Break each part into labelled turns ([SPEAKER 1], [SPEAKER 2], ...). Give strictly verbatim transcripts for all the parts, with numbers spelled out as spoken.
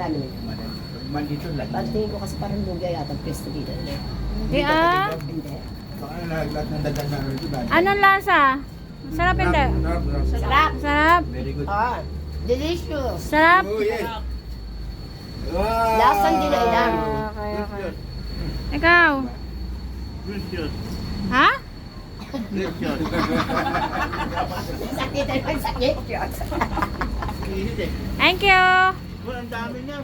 [SPEAKER 1] madami.
[SPEAKER 2] Man dito lang.
[SPEAKER 1] Pagtingin ko kasi parang lugi yata ang pwesto dito. Eh.
[SPEAKER 3] Hindi ah.
[SPEAKER 1] Hindi.
[SPEAKER 2] Baka lahat ng dagan na rin diba?
[SPEAKER 3] Anong lasa? Sarap hindi?
[SPEAKER 2] Sarap, sarap.
[SPEAKER 1] Sarap.
[SPEAKER 3] Sarap.
[SPEAKER 2] Very good.
[SPEAKER 1] Ah, delicious.
[SPEAKER 3] Sarap.
[SPEAKER 2] Oh, yes. Wow!
[SPEAKER 1] Lasang dinailan.
[SPEAKER 3] Okay, okay. Ikaw?
[SPEAKER 2] Delicious.
[SPEAKER 3] Ha?
[SPEAKER 2] Delicious.
[SPEAKER 1] Sakit ay sakit yun.
[SPEAKER 3] Thank you.
[SPEAKER 2] Well, ang dami niyan.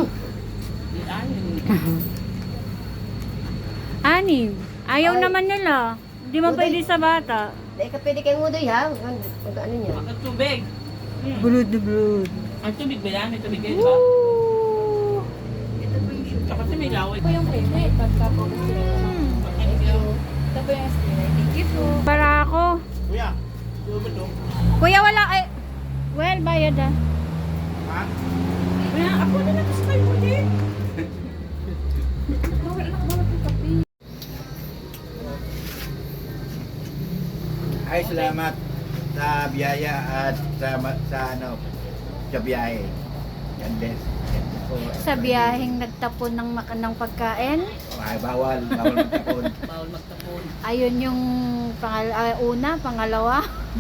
[SPEAKER 3] Anim. Ayaw
[SPEAKER 1] Ay.
[SPEAKER 3] naman nila. Hindi mo
[SPEAKER 1] Uday.
[SPEAKER 3] pwede sa bata.
[SPEAKER 1] Dahil ka pwede kayong udoy ha. Ang ang ano niya.
[SPEAKER 4] Ang tubig.
[SPEAKER 3] Blood na blood.
[SPEAKER 4] Ang tubig ba yan? May tubig kayo ba?
[SPEAKER 3] Woo!
[SPEAKER 4] Tsaka kasi may laway.
[SPEAKER 5] Ito po yung favorite pagka po gusto nyo. Thank you. Ito po yung estimate. Thank you po.
[SPEAKER 3] Para ako.
[SPEAKER 2] Kuya, ano ba ito?
[SPEAKER 3] Kuya wala ay. Well, bayad ah.
[SPEAKER 2] Ha?
[SPEAKER 4] Kaya ako na lang sa kayo din.
[SPEAKER 5] Bawal anak, bawal po kape.
[SPEAKER 2] Ay, salamat sa biyaya at sa, sa ano, sa biyahe. Yan din. Yan po.
[SPEAKER 3] Sa biyaheng nagtapon ng, mak- ng pagkain.
[SPEAKER 2] Ay, bawal. Bawal magtapon.
[SPEAKER 4] Bawal magtapon.
[SPEAKER 3] Ayun yung pangal- ah, una, pangalawa.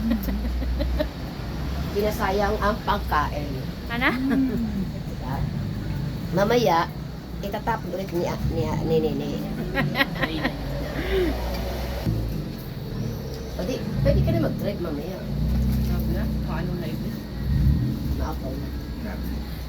[SPEAKER 1] Pinasayang ang pagkain.
[SPEAKER 3] Ano?
[SPEAKER 1] Diba? Mamaya, itatapon ulit ni ni ni ni. ni. Pwede, pwede ka na mag-drive mamaya.
[SPEAKER 4] Sabi na, paano na ito?
[SPEAKER 1] Maapaw na.